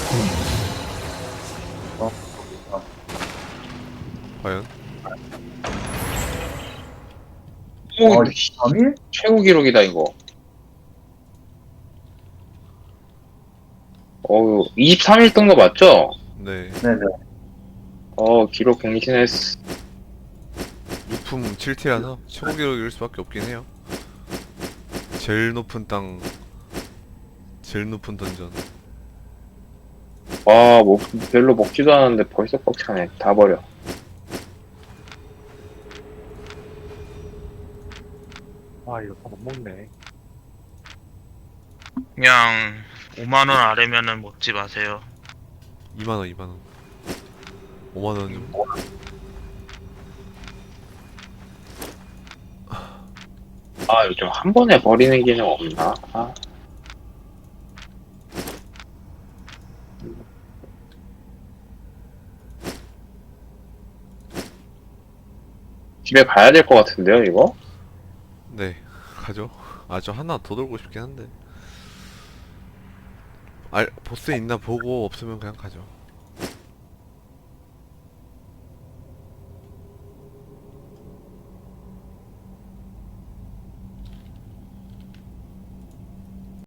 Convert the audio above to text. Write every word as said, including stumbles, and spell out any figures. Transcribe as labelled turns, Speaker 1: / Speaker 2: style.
Speaker 1: 어, 어.
Speaker 2: 과연?
Speaker 1: 어,
Speaker 3: 최고,
Speaker 1: 이십삼 일?
Speaker 3: 최고 기록이다, 이거. 어우, 이십삼 일 뜬 거 맞죠?
Speaker 2: 네.
Speaker 1: 네네.
Speaker 3: 어, 기록 갱신했어.
Speaker 2: 유품 칠 티라서 최고 기록일 수밖에 없긴 해요. 제일 높은 땅, 제일 높은 던전.
Speaker 3: 와, 뭐, 별로 먹지도 않았는데 벌써 꽉 차네. 다 버려.
Speaker 1: 아, 이거 다 못 먹네.
Speaker 4: 그냥 오만 원 아래면은 먹지 마세요.
Speaker 2: 이만 원, 이만 원. 오만 원 좀.
Speaker 3: 아, 요즘 한 번에 버리는 기능 없나? 아. 집에 가야 될 것 같은데요, 이거?
Speaker 2: 네, 가죠. 아, 저 하나 더 돌고 싶긴 한데. 알, 보스 있나 보고 없으면 그냥 가죠.